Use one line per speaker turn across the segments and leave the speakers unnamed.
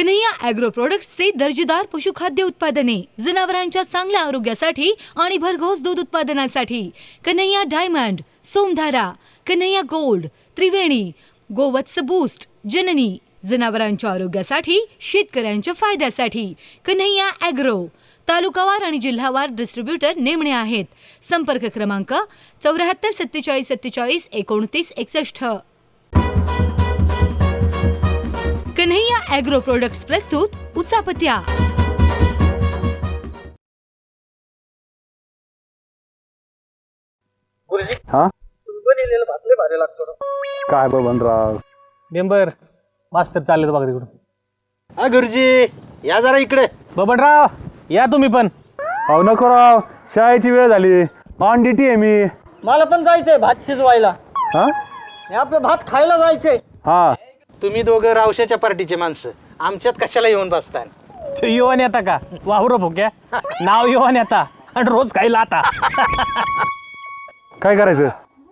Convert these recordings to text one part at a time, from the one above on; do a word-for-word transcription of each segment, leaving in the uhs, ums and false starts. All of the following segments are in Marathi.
कन्हैया ॲग्रो प्रोडक्ट्सचे दर्जेदार पशुखाद्य उत्पादने, जनावरांच्या चांगल्या आरोग्यासाठी आणि भरघोस दूध उत्पादनासाठी Kanhaiya diamond, Somdhara, Kanhaiya gold, Triveni, Govats boost, Janani, जनावरांच्या आरोग्यासाठी, शेतकऱ्यांच्या फायद्यासाठी कन्हैया ॲग्रो. तालुकावार आणि जिल्हावार डिस्ट्रीब्युटर नेमणे आहेत. संपर्क क्रमांक चौऱ्याहत्तर सत्तेचाळीस सत्तेचाळीस एकोणतीस एकसष्ट. कन्हैया ॲग्रो प्रोडक्ट्स प्रस्तुत उचापत्या.
गुरुजी
हा
बनलेलं भात लय भारी लागतो ना.
काय बबनराव
मेंबर मास्तर चालले बघा तिकडून.
हा गुरुजी या जरा इकडे.
बबनराव या तुम्ही पण.
अहो नको राव, शाळेची वेळ झाली, ऑन ड्युटी आहे मी.
मला पण जायचंय भात शिजवायला.
हा
हे आपलं भात खायला जायचंय.
हा
तुम्ही दोघं रावशाच्या पार्टीचे माणसं आमच्यात कशाला येऊन बसताय?
तो युवा नेता का वाहुर भोक्या, नाव युवा नेता आणि रोज खायला आता.
काय करायचं?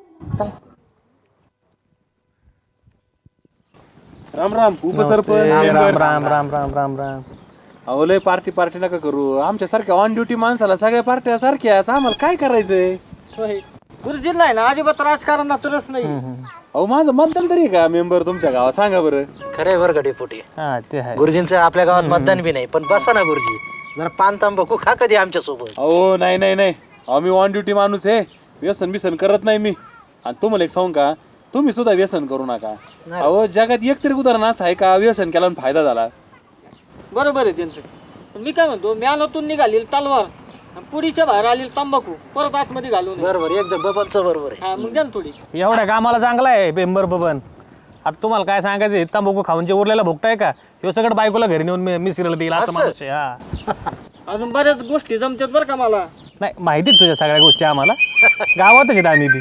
राम राम उपसरपंच.
राम
मेंबर.
राम राम राम राम राम.
अहो लय पार्टी पार्टी नका करू. आमच्या सारख्या ऑन ड्युटी माणसाला सगळ्या पार्ट्या सारख्याच. आम्हाला काय करायचंय?
गुरुजी नाही ना अजिबात राजकारणात रस नाही.
अहो माझं मतदान तरी आहे का मेंबर तुमच्या गावात? सांगा बरं.
खरंय बरं का डेपुटी.
हा ते आहे.
गुरुजींचं आपल्या गावात मतदान बी नाही, पण बसा ना गुरुजी, जरा पान तांबाखू खा कधी आमच्या सोबत.
अहो नाही नाही नाही, अहो मी ऑन ड्युटी माणूस आहे, व्यसन बिसन करत नाही मी. आणि तुम्हाला एक सांगू का, तुम्ही सुद्धा व्यसन करू नका. अहो जगात एक तरी उदाहरण असं आहे का व्यसन केला आणि फायदा झाला?
बरोबर आहे त्यांचं. पण मी काय म्हणतो, म्यानातून निघालेली तलवार आणि पुडीच्या बाहेर आलेली तंबाखू परत आतमध्ये घालून.
बरोबर एकदम बबनचं बरोबर आहे.
हा मग द्या ना थोडी.
एवढ्या कामाला चांगला आहे मेंबर बबन. आता तुम्हाला काय सांगायचं, तंबाखू खाऊन जे उरलेला भोगताय का, हे सगळं बायकोला घरी नेऊन मिसरीला देईल असं
असं?
माणूस आहे. हा
अजून बऱ्याच गोष्टी जमतात बरं का मला.
नाही माहितीच तुझ्या सगळ्या गोष्टी आम्हाला, गावातच आहेत आम्ही बी.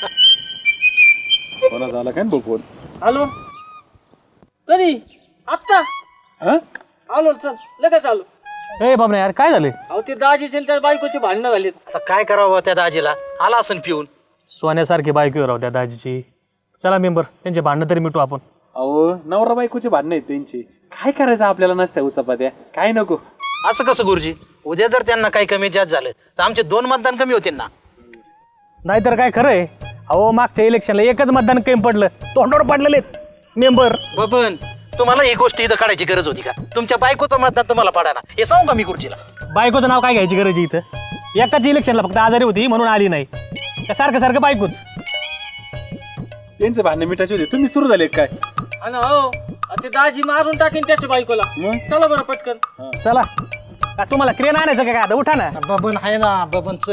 कोणा झाला काय बघून?
हॅलो कधी? आत्ता
हा
आलो, चल लगेच आलो.
ए बाबा यार काय झाले?
अहो ते दाजीचे आणि त्या बायकोची भांडणं झालीत.
आता काय करावं त्या दाजीला? आला असं पिऊन.
सोन्यासारखी बायको राहू त्या दाजीची. चला मेंबर त्यांचे भांडणं तरी मिटू आपण.
अहो नवरा बायकोचे भांडणं आहेत त्यांची. काय करायचं आपल्याला नसत्या उचापात्या? काय नको.
असं कसं गुरुजी? उद्या जर त्यांना काही कमी जास्त झालं तर आमचे दोन मतदान कमी होतील ना.
नाहीतर काय खरंय. अहो मागच्या इलेक्शनला एकच मतदान कमी पडलं, तोंडावर पडलेले मेंबर.
बबन तुम्हाला ही गोष्ट इथं काढायची गरज होती का? तुमच्या बायकोचं मतदान तुम्हाला पडा ना, हे सांगू का मी गुरुजीला?
बायकोचं नाव काय घ्यायची गरज आहे इथं? एकाच इलेक्शनला फक्त आजारी होती म्हणून आली नाही, का सारखं सारखं बायकोच?
त्यांचे भांडणं मिटायचे होते, तुम्ही सुरू झाले काय?
आणि हो ते दाजी मारून टाकीन त्याच्या बायकोला.
मग?
चला बरं पटकन.
चला का तुम्हाला क्रेन आणायचं का? आता उठा ना.
बबन आहे ना, बबनच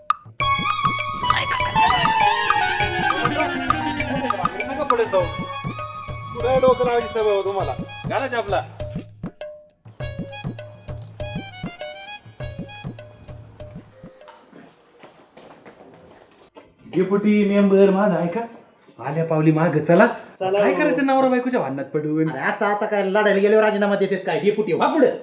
नका पडत जाऊ. पुढे डोकं लावायची सवय हो तुम्हाला. घालायची आपला. डेपुटी मेंबर माझा आहे का? आल्या पावली माग चला. काय करायचं नवरा बायकोच्या भांडणात पडून?
असं आता काय लढायला गेल्यावर राजीनामा देतात काय? हे फुटी वा पुढे.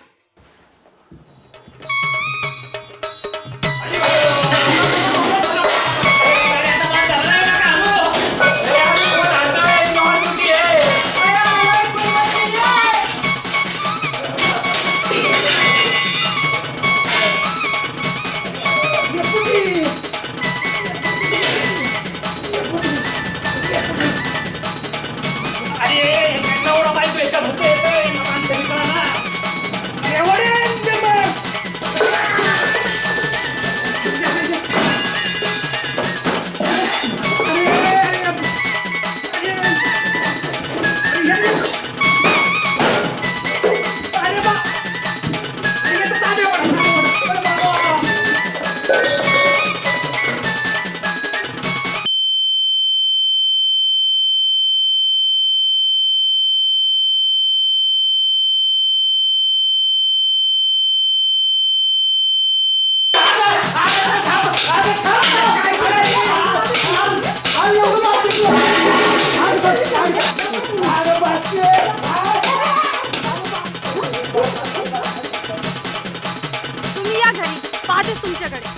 तुम्ही या घरी, पाहतेच तुमच्याकडे.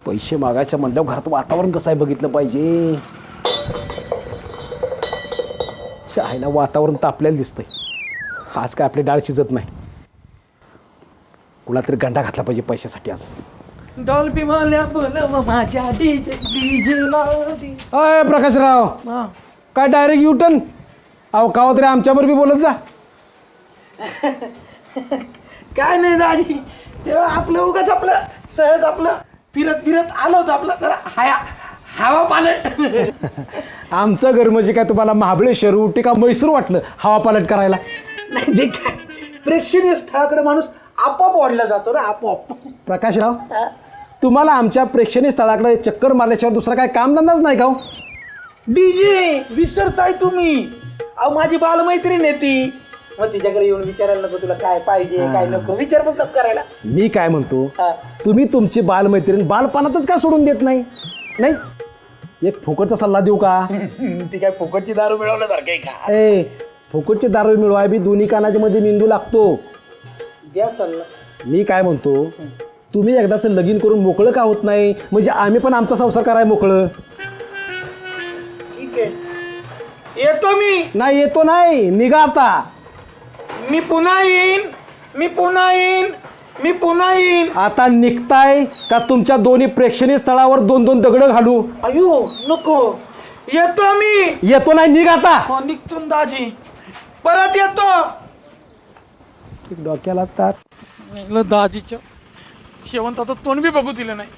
पैसे मागायच्या म्हणल्यावर घरात वातावरण कसं आहे बघितलं पाहिजे. शाळेला वातावरण तर आपल्याला दिसतंय. आज काय आपली डाळ शिजत नाही. कुणा तरी गंडा घातला पाहिजे पैशासाठी आज.
डॉल्बी मला बोलव माझ्या डीजे डीजेला
अय प्रकाशराव, काय डायरेक्ट युटर्न? अहो कावा तरी आमच्यावर बी बोलत जा.
काय नाही दाजी, तेव्हा आपलं उगाच आपलं सहज आपलं फिरत फिरत आलो होतो आपलं जरा हाया हवा पालट.
आमचं घर म्हणजे काय तुम्हाला महाबळेश्वर उटी का म्हैसूर वाटलं हवा पालट करायला?
नाही ते काय प्रेक्षणीय स्थळाकडे माणूस आपोआप ओढला जातो ना आपोआप.
प्रकाशराव, तुम्हाला आमच्या प्रेक्षणीय स्थळाकडे चक्कर मारल्याशिवाय दुसरा काय कामधंदाच नाही का?
डीजे विसरताय तुम्ही. अहो माझी बालमैत्रीण आहे ती, मग तिच्याकडे येऊन विचारायला नको तुला काय पाहिजे काय नको विचारपूस नको करायला.
मी काय म्हणतो,
हा.
तुम्ही तुमची बालमैत्रीण बालपणातच का सोडून देत नाही? नाही एक फुकटचा सल्ला देऊ का?
ती काय फुकटची दारू मिळवण्यासारखं आहे का?
ए फुकटची दारू मिळवाय बी दोन्ही कानाच्या मध्ये मेंदू लागतो.
द्या सल्ला.
मी काय म्हणतो, तुम्ही एकदाच लगीन करून मोकळं का होत नाही? म्हणजे आम्ही पण आमचा संसार कराय मोकळं.
ठीक आहे, येतो मी.
नाही येतो नाही, निघा आता.
मी पुन्हा येईन, मी पुन्हा येईन, मी पुन्हा येईन.
आता निघताय का तुमच्या दोन्ही प्रेक्षणीय स्थळावर दोन दोन दगड घालू?
अयो नको, येतो मी.
येतो नाही, निघ आता.
हो निघतून दाजी, परत येतो.
डोक्याला ताप.
दाजीच्या शेवंताचं तोंड बी बघू दिलं नाही.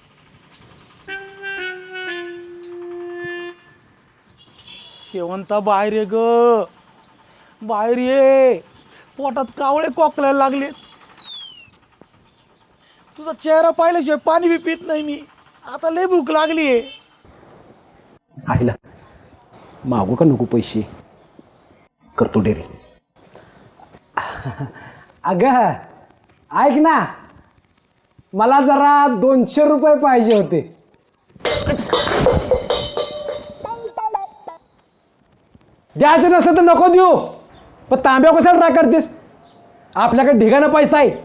शेवंता बाहेर ये ग, बाहेर ये. पोटात कावळे कोकलायला लागले. तुझा चेहरा पाहिल्याशिवाय पाणी बी पित नाही मी. आता लय भूक लागली आहे.
आईला मागू का नको पैसे? करतो डेरी. अगं ऐक ना, मला जरा दोनशे रुपये पाहिजे होते. द्यायचं नसलं तर नको देऊ, पण तांब्या कशाला राग करतेस? आपल्याकडे ढिगाणं पैसा आहे.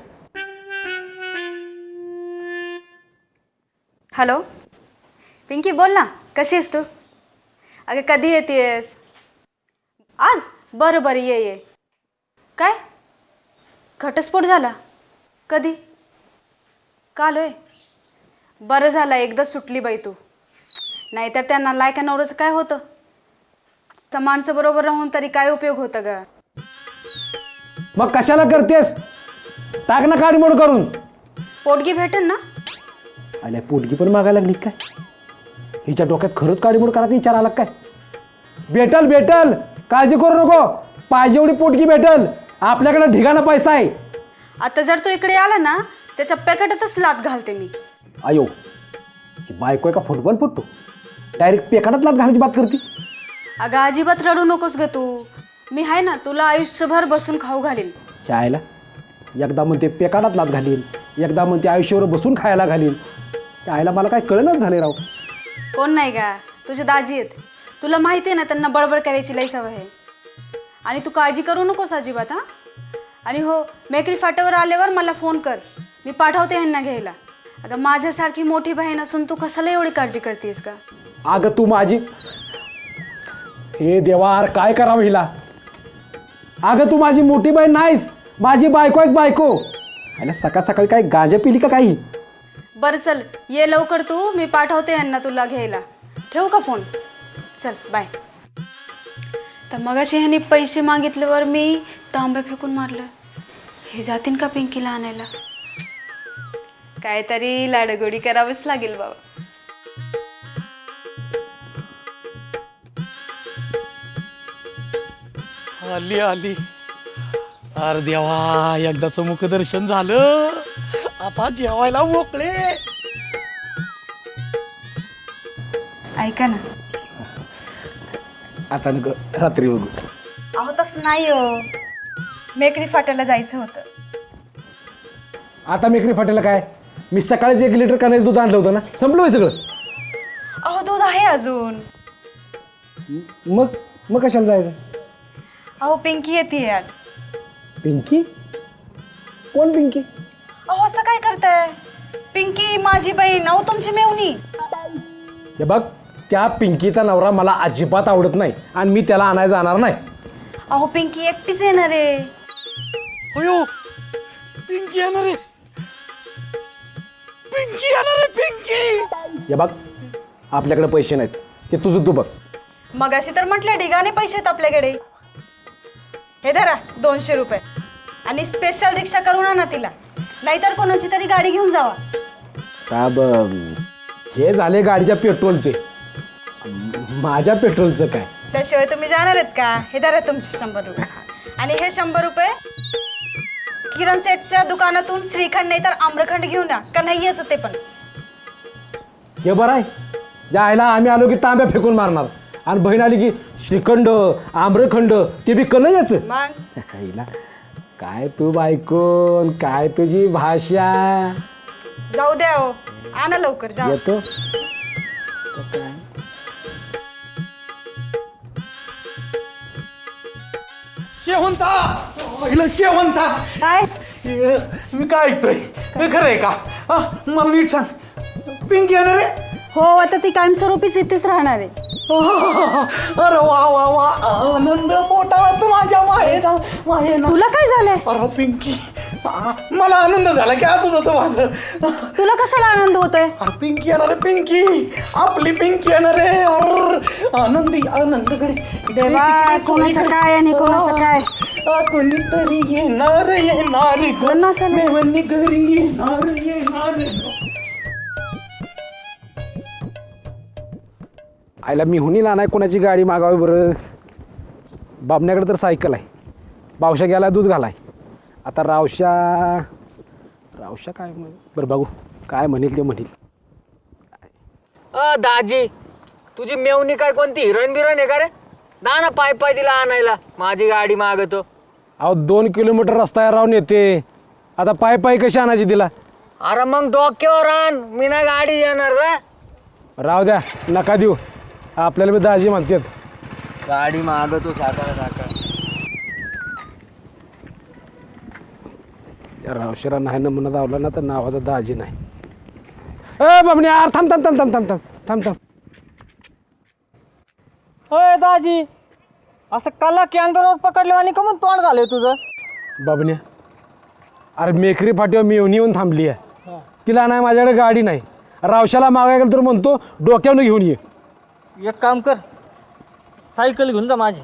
हॅलो पिंकी, बोल ना, कशी आहेस तू? अगं कधी येतेस? आज? बरं बरं ये ये. काय घटस्फोट झाला? कधी? काल होय? बरं झालं एकदा सुटली बाई तू. नाहीतर त्यांना लायका नवऱ्याचं काय होतं? तर माणसं बरोबर राहून तरी काय उपयोग होतं ग?
मग कशाला करतेस? टाक ना काडी मोड करून.
पोटगी भेटेल ना?
आल्या पोटगी पण मागायला लागली काय? हिच्या डोक्यात खरंच काडीमोड करायचा विचार आला काय? भेटल भेटल, काळजी करू नको. पाहिजे एवढी पोटगी भेटल. आपल्याकडे ढिगाणा पैसा आहे.
आता जर तू इकडे आला ना, त्याच्या पॅकेटातच लात घालते मी.
आयो, ही बायको आहे का फुटबॉल फुटतो? डायरेक्ट पेकाडात लात घालायची बात करते.
अगं अजिबात रडू नकोस ग तू. मी आहे ना, तुला आयुष्यभर बसून खाऊ घालीन.
चायला एकदा म्हणते पेकाडात लात घालीन, एकदा म्हणते आयुष्यावर बसून खायला घालीन. चायला मला काय कळलंच झाले राव.
कोण नाही का? तुझे दाजी आहेत. तुला माहिती आहे ना, त्यांना बडबड करायची लई सवय आहे. आणि तू काळजी करू नकोस अजिबात. हां, आणि हो, मेकरी फाट्यावर आल्यावर मला फोन कर, मी पाठवते ह्यांना घ्यायला. अगं माझ्यासारखी मोठी बहीण असून तू कशाला एवढी काळजी करतेस का?
अगं तू माझी, हे देवा काय करावं हिला. अगं तू माझी मोठी बहीण नाहीस, माझी बायको आहेस बायको. आणि सकाळ सकाळी काय गांजा पिली का काही?
बरं चल ये लवकर तू, मी पाठवते यांना तुला घ्यायला. ठेवू का फोन? चल बाय. तर मगाशी ह्यांनी पैसे मागितल्यावर मी तांब्या फेकून मारलं. हे जातीन का पिंकीला आणायला? काहीतरी लाडगोडी करावंच लागेल बाबा.
आली आली. अरे देवा, एकदाच मुखदर्शन झालं, आता जेवायला मोकळे.
ऐका ना,
आता नको, रात्री बघू.
अहो तसं नाही हो, मेकरी फाट्याला जायचं होतं.
आता मेकरी फाटेला काय? मी सकाळीच एक लिटर कण्याचं दूध आणलं होतं ना, संपलं होय सगळं.
अहो दूध आहे अजून.
मग मग कशाला जायचं?
अहो पिंकी येते आज.
पिंकी? कोण पिंकी?
अहो असं काय करताय? पिंकी माझी बहीण, अहो तुमची मेवणी.
हे बघ, त्या पिंकीचा नवरा मला अजिबात आवडत नाही आणि मी त्याला आणायला जाणार नाही.
अहो पिंकी एकटीच येणार आहे.
अयो पिंकी येणार रे, पिंकी येणार रे, पिंकी.
हे बघ, आपल्याकडे पैसे नाहीत, ते तुझं तू बघ.
मग अशी तर म्हटलं ढिगाने पैसे आहेत आपल्याकडे. हे धरा दोनशे रुपये आणि स्पेशल रिक्षा करून आणा तिला, नाहीतर कोणाची तरी गाडी घेऊन जावा.
का बघ, हे झाले गाडीच्या पेट्रोलचे, माझ्या पेट्रोलचं काय?
त्याशिवाय तुम्ही जाणार आहेत का? हे धरा तुमचे शंभर रुपये आणि हे शंभर रुपये किरण सेटच्या दुकानातून श्रीखंड नाही तर आम्रखंड घेऊन या, का नाही असं ते पण.
हे बरं आहे, जायला आम्ही आलो की तांब्या फेकून मारणार आणि बहीण आली की श्रीखंड आम्रखंड ते बी कन याचं.
मग
हिला काय तू बायकोन, काय तुझी भाषा.
जाऊ द्या हो, आणा लवकर जा.
येतो
शेवंता, पहिलं शेवंता.
काय
हे, मी काय ऐकतोय हे खरं आहे का? हा, मला नीट सांग, पिंकी येणार रे?
हो, आता ती कायमस्वरूपीच इथेच राहणार आहे.
अरे वा वा वा, आनंद मोठा तू माझ्या माहेरा माहेरा.
तुला काय झालंय?
अरे पिंकी, आ, मला आनंद झाला की आजच होतं माझं.
तुला कशाला आनंद होतोय?
अरे पिंकी येणार आहे, पिंकी आपली पिंकी येणार आहे. अरे आनंदी आनंदकडे
देवा, कोणाचं काय आणि कोणाचं काय?
कोणीतरी येणार येणार
कोणाचं नाही.
मेवणी घरी येणार येणार.
आईला मी हुनीला नाही कोणाची गाडी मागावी बरं. बाबण्याकडे तर सायकल आहे, बावशा गेला दूध घालाय. आता रावशा रावशा काय म्हण बरं बघू काय म्हणेल ते म्हणेल.
अ दाजी, तुझी मेवणी काय कोणती हिरोईन बिरोईन आहे का रे? ना ना पाय पाय तिला आणायला, माझी गाडी मागतो.
अहो दोन किलोमीटर रस्ता राहून येते, आता पाय पाय कशी आणायची तिला?
अरे मग डोक्यावर आण, मी ना गाडी येणार रे.
राहू द्या, नका देऊ, आपल्याला बी दाजी म्हणतात.
गाडी मागतो साखर साखर.
रावशिरा नाही ना म्हणत आवला ना तर नावाचा दाजी नाही. ए बाबणी यार, थांब थांब थांब थांब थांब थांब थांब थांब.
होय दाजी, असं कला कॅन्डरवर पकडले आणि कमून तोंड झालंय तुझं?
बाबण्या, अरे मेकरी फाटीवर मी येऊन येऊन थांबली आहे, तिला नाही माझ्याकडे गाडी नाही. रावशाला मागायला गेलं तर म्हणतो डोक्यावरून घेऊन ये.
एक काम कर, सायकल घेऊन जा माझी.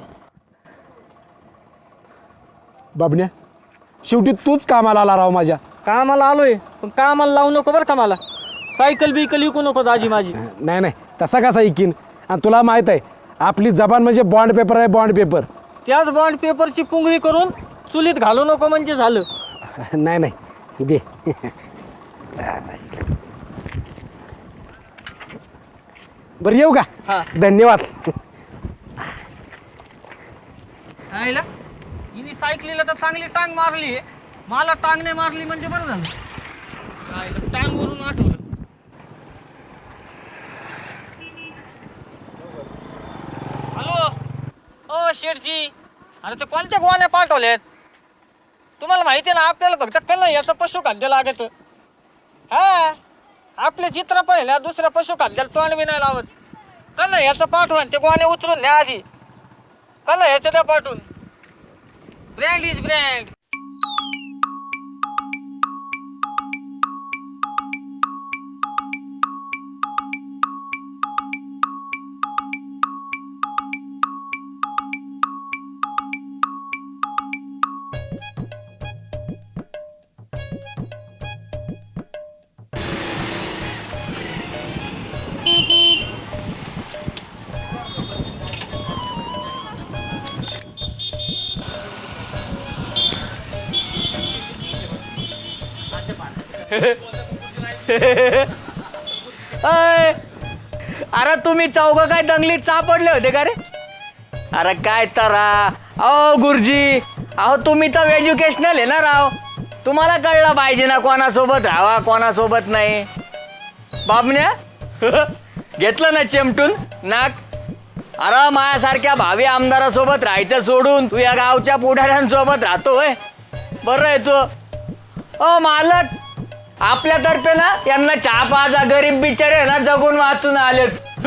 बाबण्या, शेवटी तूच कामाला आला राव माझ्या.
कामाला आलोय, पण कामाला लावू नको बरं का मला. सायकल बिकल विकू नको दाजी माझी.
नाही नाही, तसा कसा ऐकीन. आणि तुला माहीत आहे आपली जबान म्हणजे बॉन्ड पेपर आहे, बॉन्ड पेपर.
त्याच बॉन्ड पेपरची पुंगळी करून चुलीत घालू नको म्हणजे झालं.
नाही नाही दे. बरं येऊ का?
हा.
धन्यवाद.
आईला हिने सायकलीला तर चांगली टांग मारली, मला टांग नाही मारली म्हणजे बरं झालं. आईला टांग वरून आठवलं. हॅलो, ओ शेठजी, अरे ते कोणत्या गोवाने पाठवलेत? तुम्हाला माहिती आहे ना, आपल्याला फक्त कल्ला याचं पशुखाद्य लागत. हा, आपले चित्र पहिल्या दुसऱ्या पशुखाद्याला तोंड बी नाही लावत. कल्ला याचं पाठवून ते गोवाने उतरून न्या आधी. कल्ला ह्याचं द्या पाठवून. Brand is brand. अरे तुम्ही चौघ काय दंगलीत सापडले होते का रे? अरे काय तरा. अहो गुरुजी, अहो तुम्ही तर एज्युकेशनल आहे ना राव, तुम्हाला कळलं पाहिजे ना कोणासोबत राहावा कोणासोबत नाही. बाबण्या घेतलं ना चिमटून नाक. अरे माझ्यासारख्या भावी आमदारासोबत राहायचं सोडून तू या गावच्या पुढाऱ्यांसोबत राहतोय. बरं आहे तू. ओ मालक, आपल्यातर्फे ना यांना चहा पाजा, गरीब बिचारे ना जगून वाचून आलेत.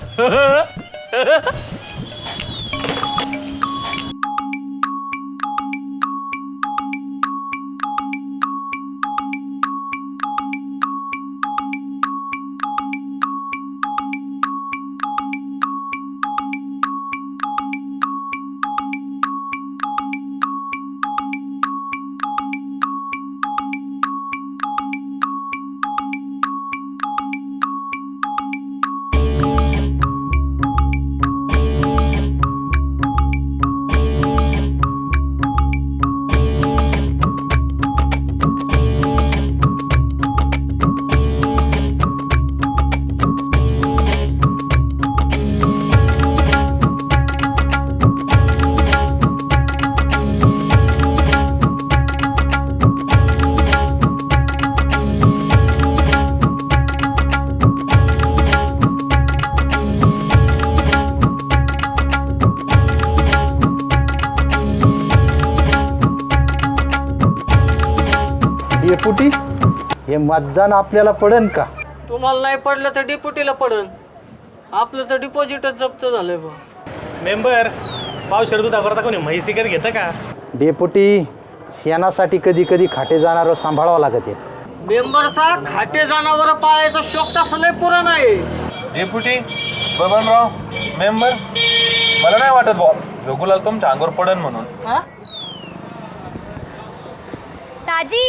डेपुटी हे मतदान आपल्याला पडेल का?
तुम्हाला नाही पडलं तर डिप्युटीला पडन. आपलं तर डिपॉझिटच जप्त झालंय बा.
मेंबर पावशेर दुधा करता कोणी म्हैस विकत घेतं का?
डेपुटी शेणासाठी कधी कधी खाटे जाणार सांभाळावं लागत आहे.
मेंबरचा खाटे जनावर पाळायचा शोक तसा लय पुराण आहे.
डेप्युटी बबनराव मेंबर मला नाही वाटत बॉ रघुलाल तुमच्या अंगावर पडन म्हणून.
दाजी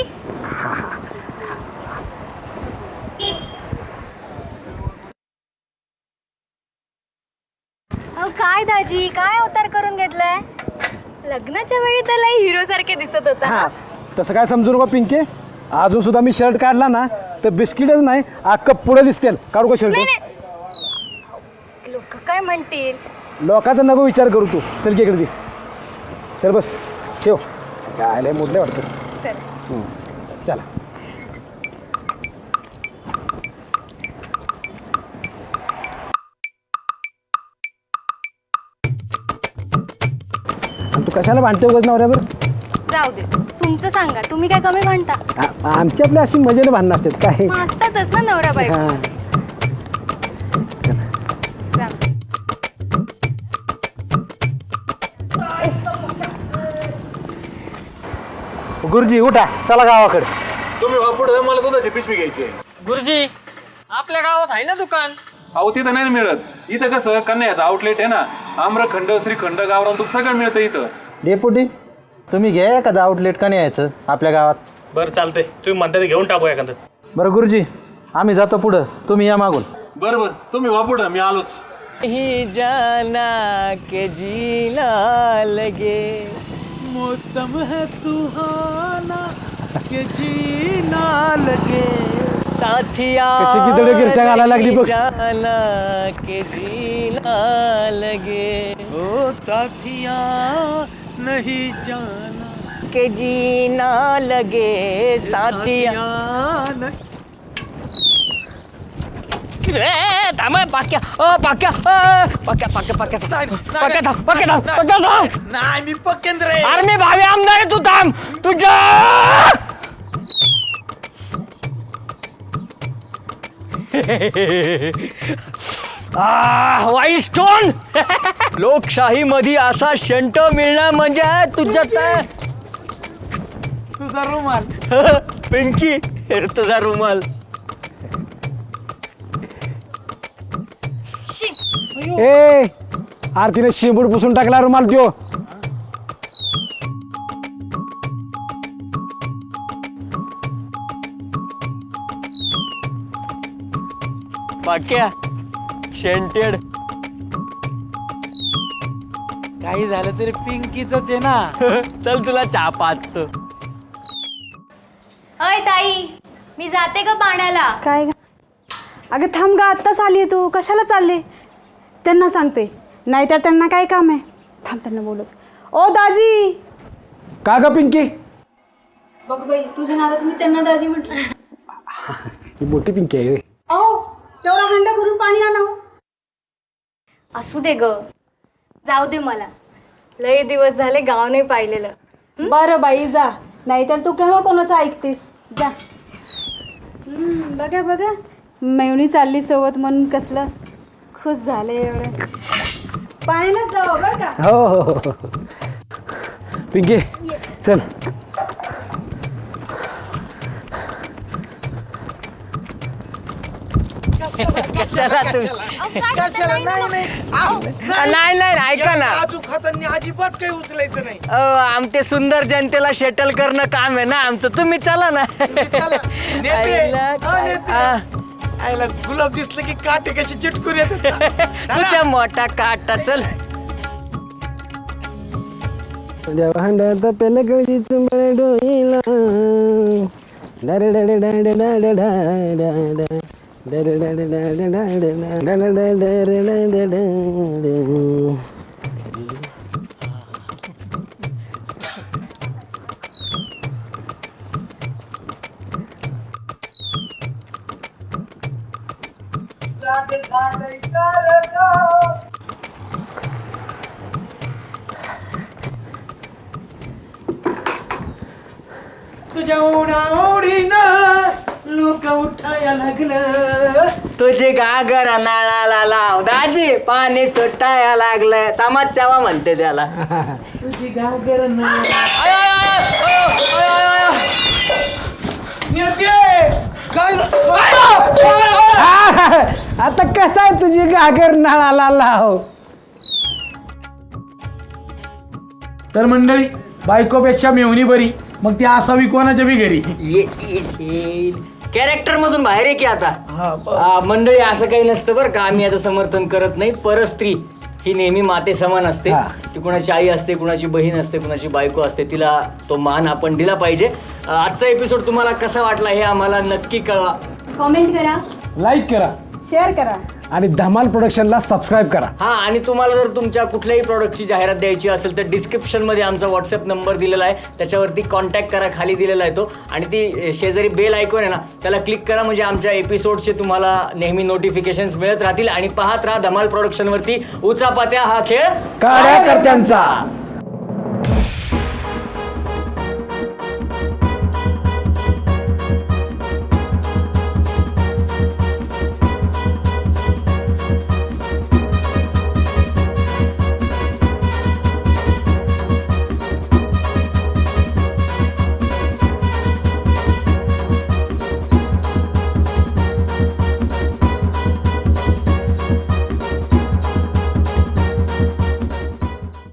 अहो काय दाजी काय अवतार करून घेतलाय? लग्नाच्या वेळी तर लय हिरो सारखे दिसत होता.
हा तसं काय समजू नका पिंके, अजून सुद्धा मी शर्ट काढला ना तर बिस्किटच नाही अख्खं पुढे दिसतील. काढू का शर्ट?
लोक काय म्हणतील?
लोकांचा नको विचार करू तू. चल की इकडे दे. चल बस ठेव. काय मोडले वाटतं.
चल
हम्म. चला तू कशाला भांडते उगाच नवऱ्यावर?
जाऊ दे, तुमचं सांगा. तुम्ही काय कमी म्हणता?
आ- आमची आपली अशी मजेने भांडणं असतात काय.
मग असतातच ना नवरा बायको.
हा.
जाऊ दे.
गुरुजी उठा चला गावाकडे.
तुम्ही पुढे मला दुधाची पिशवी घ्यायची आहे.
गुरुजी आपल्या गावात आहे ना दुकान.
अहो तिथं नाही मिळत. इथं कसं कन्याचं आउटलेट आहे ना, आम्रखंड श्रीखंड गावरान दूध सगळं मिळतं इथं.
डेपुटी तुम्ही घ्या एखादं आउटलेट का नाही यायचं आपल्या गावात?
बरं चालतंय, तुम्ही म्हणता ते घेऊन टाकू एखादं.
बरं गुरुजी आम्ही जातो पुढं, तुम्ही या मागून.
बरं बरं तुम्ही वा पुढं मी आलोच.
ही जाना के जीना लगे
मौसम है सुहाना के जीना लगे.
साथिया
कशी किती गिरट्या घालायला लागली बघ.
जाना के जीना लगे
ओ साथिया नहीं जाना
के जीना लगे साथिया. ए, थांब पाक्या ओ पाक्या अ, पाक्या पाक्या पाक्या पाक्या थांब पाक्या थांब पाक्या थांब.
नाही मी पकेन रे.
अरे मी भावी आमदार आहे, तू थांब तुझ्या. वाईट स्टोन. लोकशाही मध्ये असा शंट मिळणं म्हणजे तुझ्यात
तुझा रुमाल.
पिंकी तुझा रुमाल.
ए आरतीने शिंबूड पुसून टाकला रुमाल त्यो.
पाक्या शेंटेड.
काही झालं तरी पिंकीच आहे ना.
चल तुला चहा पाचतो.
अय ताई मी जाते ग पाण्याला.
काय ग? अगं थांब ग, आत्ताच आली आहे तू. कशाला चालले? त्यांना सांगते, नाहीतर त्यांना काय काम आहे. थांब त्यांना बोलत. ओ दाजी.
का ग पिंकी?
बघ बाई तुझ्या नादात मी त्यांना दाजी म्हटलं.
ही मोठी पिंकी आहे.
अहो तेवढा हंडा भरून पाणी आणा.
असू दे ग, जाऊ दे. मला लय दिवस झाले गाव नाही पाहिलेलं.
बरं बाई जा, नाहीतर तू केव्हा कोणाचं ऐकतेस. जा. हम्म, बघा बघा मेवणी चालली सोबत म्हणून कसलं खुश झाले एवढं. पाण्याला जाऊ बरं का.
हो हो हो हो. पिंकी चल.
कशाला नाही नाही
नाही नाही ऐका ना
काजू खाताना अजिबात काही उचलायचं नाही.
आमचे सुंदर जनतेला शेटल करणं काम आहे ना आमचं. तुम्ही चला ना.
नेते हा, नेते. आईला गुलाब दिसलं की काटे कशी चिटकून येतात ना.
तुझ्या मोठा काटा चल.
भांड्यात पेल गळी चुंबळ डोईला डर डर डर डर डर डर डर.
तुझ्या ओढीनं लोक उठाया लागलं.
तुझे घागर नाळाला लाव दाजी पाणी सुटाया लागलं. समाज चावा म्हणते त्याला.
तुझी घागर ना
आय, आय, आय, अयो, अयो, अयो, अयो.
नेते काय
आता कसं आहे तुझी घागर नाळाला लाव.
तर मंडळी बायकोपेक्षा मेवणी बरी. मग ती असावी कोणाच्या बी घरी.
कॅरेक्टर मधून बाहेर आहे की आता.
हा,
आ, मंडळी असं काही नसतं बरं का. आम्ही याचं समर्थन करत नाही. परस्त्री ही नेहमी माते समान असते.
हा.
ती कुणाची आई असते, कुणाची बहीण असते, कुणाची बायको असते. तिला तो मान आपण दिला पाहिजे. आ, आजचा एपिसोड तुम्हाला कसा वाटला हे आम्हाला नक्की कळवा.
कॉमेंट करा,
लाईक करा
शेअर करा.
आणि धमाल प्रोडक्शनला सबस्क्राईब करा.
हा आणि तुम्हाला जर तुमच्या कुठल्याही प्रॉडक्टची जाहिरात द्यायची असेल तर डिस्क्रिप्शनमध्ये आमचा व्हॉट्सअप नंबर दिलेला आहे. त्याच्यावरती कॉन्टॅक्ट करा. खाली दिलेला आहे तो. आणि ती शेजारी बेल आयकॉन आहे ना त्याला क्लिक करा. म्हणजे आमच्या एपिसोडचे तुम्हाला नेहमी नोटिफिकेशन्स मिळत राहतील. आणि पाहत राहा धमाल प्रोडक्शनवरती उचापात्या हा खेळ
कार्यकर्त्यांचा.